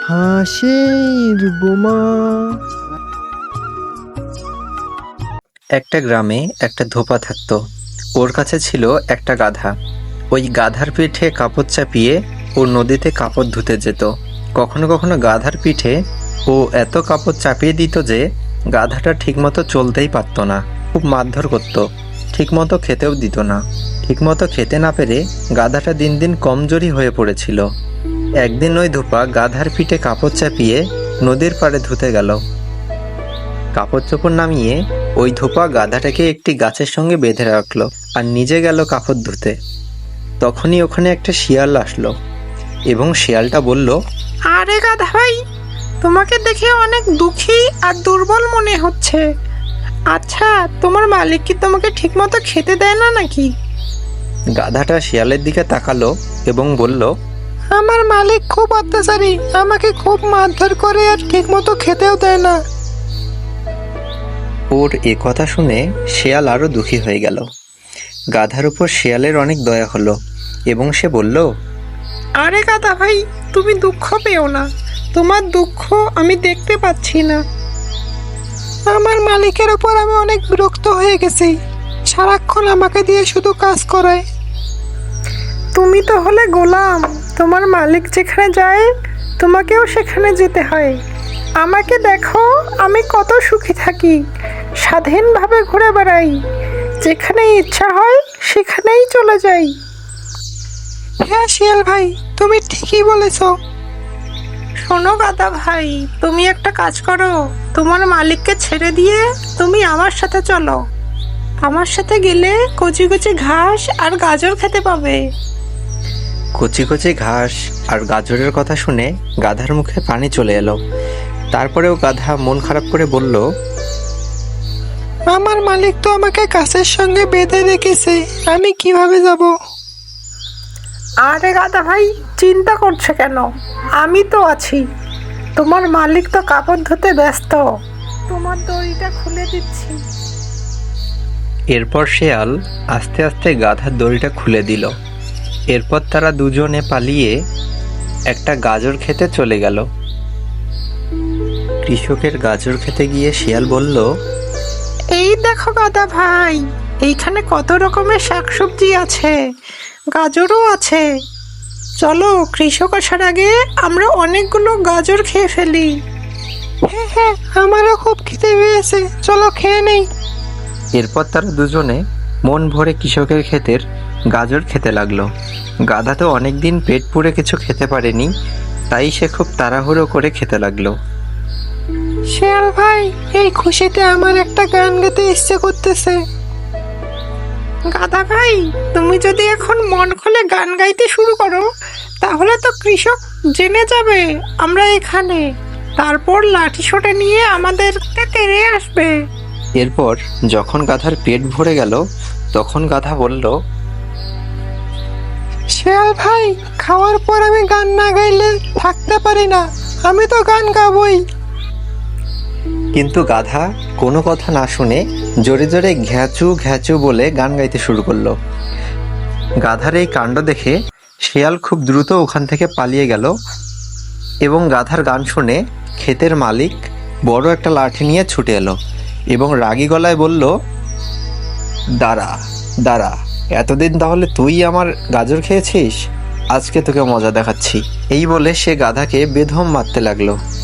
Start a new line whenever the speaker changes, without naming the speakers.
হাঁসের বোমা।
একটা গ্রামে একটা ধোপা থাকতো। ওর কাছে ছিল একটা গাধা। ওই গাধার পিঠে কাপড় চাপিয়ে ও নদীতে কাপড় ধুতে যেত। কখনো কখনো গাধার পিঠে ও এত কাপড় চাপিয়ে দিত যে গাধাটা ঠিকমতো চলতেই পারতো না। খুব মারধর করতো, ঠিকমতো খেতেও দিত না। ঠিকমতো খেতে না পেরে গাধাটা দিন দিন কমজোরি হয়ে পড়েছিল। একদিন ওই ধোপা গাধার পিঠে কাপড় চাপিয়ে নদীর পাড়ে ধুতে গেল। কাপড় চোপড় নামিয়ে ওই ধোপা গাধাটাকে একটি গাছের সঙ্গে বেঁধে রাখলো আর নিজে গেল কাপড় ধুতে। তখনই ওখানে একটা শিয়াল আসলো এবং শিয়ালটা বলল,
আরে গাধা ভাই, তোমাকে দেখে অনেক দুঃখী আর দুর্বল মনে হচ্ছে। আচ্ছা, তোমার মালিক কি তোমাকে ঠিকমতো খেতে দেয় না নাকি?
গাধাটা শিয়ালের দিকে তাকালো এবং বলল,
আমার মালিক খুব অত্যাচারী, আমাকে খুব মারধর করে আর ঠিকমতো খেতেও দেয় না।
ওর এ কথা শুনে শিয়াল আরো দুঃখী হয়ে গেল। গাধার উপর শিয়ালের অনেক দয়া হলো এবং সে বলল,
আরে গাধা ভাই, তুমি দুঃখ পেও না, তোমার দুঃখ আমি দেখতে পাচ্ছি না। আমার মালিকের উপর আমি অনেক বিরক্ত হয়ে গেছি, সারাক্ষণ আমাকে দিয়ে শুধু কাজ করায়। তুমি তো হলে গোলাম, তোমার মালিক যেখানে যায় তোমাকেও সেখানে যেতে হয়। আমাকে দেখো, আমি কত সুখী থাকি, স্বাধীনভাবে ঘুরে বেড়াই, যেখানে ইচ্ছা হয় সেখানেই চলে যাই। হ্যাঁ শিয়াল ভাই, তুমি ঠিকই বলেছ। শোনো গাধা ভাই, তুমি একটা কাজ করো, তোমার মালিককে ছেড়ে দিয়ে তুমি আমার সাথে চলো। আমার সাথে গেলে কচি কচি ঘাস আর গাজর খেতে পাবে।
কচি কচি ঘাস আর গাজরের কথা শুনে গাধার মুখে পানি চলে এলো। তারপরেও গাধা মন খারাপ করে বলল,
আমার মালিক তো আমাকে গাছের সঙ্গে বেঁধে রেখেছে, আমি কিভাবে যাব? আরে গাধা ভাই, চিন্তা করছে কেন? আমি তো আছি। তোমার মালিক তো কাপড় ধুতে ব্যস্ত, তোমার দড়িটা খুলে দিচ্ছি।
এরপর শিয়াল আস্তে আস্তে গাধার দড়িটা খুলে দিল। এরপর তারা দুজনে পালিয়ে একটা গাজর খেতে চলে গেল। কৃষকের গাজর খেতে গিয়ে শিয়াল বলল,
এই দেখো গাধা ভাই, এইখানে কত রকমের শাকসবজি আছে, গাজরও আছে। চলো, কৃষক আসার আগে আমরা অনেকগুলো গাজর খেয়ে ফেলি। হ্যাঁ হ্যাঁ, আমারও খুব খিদে পেয়েছে, চলো খেয়ে নেই।
এরপর তারা দুজনে মন ভরে কৃষকের ক্ষেতের গাজর খেতে লাগলো। গাধা তো অনেকদিন পেট পুড়ে কিছু খেতে পারেনি, তাই সে খুব তাড়াহুড়ো করে খেতে লাগলো।
শিয়াল ভাই, এই খুশিতে আমার একটা গান গাইতে ইচ্ছে করতেছে। গাধা ভাই, তুমি যদি এখন মন খুলে গান গাইতে শুরু করো, তাহলে তো কৃষক জেনে যাবে আমরা এখানে, তারপর লাঠি সোঁটা নিয়ে আমাদেরকে তেড়ে আসবে।
এরপর যখন গাধার পেট ভরে গেল, তখন গাধা বলল,
শিয়াল ভাই, খাওয়ার পর আমি গান না গাইলে থাকতে পারি না, আমি তো গান গাবই।
কিন্তু গাধা কোনো কথা না শুনে জোরে জোরে ঘ্যাচু ঘ্যাচু বলে গান গাইতে শুরু করলো। গাধার এই কাণ্ড দেখে শিয়াল খুব দ্রুত ওখান থেকে পালিয়ে গেল এবং গাধার গান শুনে ক্ষেতের মালিক বড় একটা লাঠি নিয়ে ছুটে এলো এবং রাগী গলায় বলল, দাঁড়া দাঁড়া, এতদিন তাহলে তুই আমার গাজর খেয়েছিস, আজকে তোকে মজা দেখাচ্ছি। এই বলে সে গাধাকে বেধম মারতে লাগলো।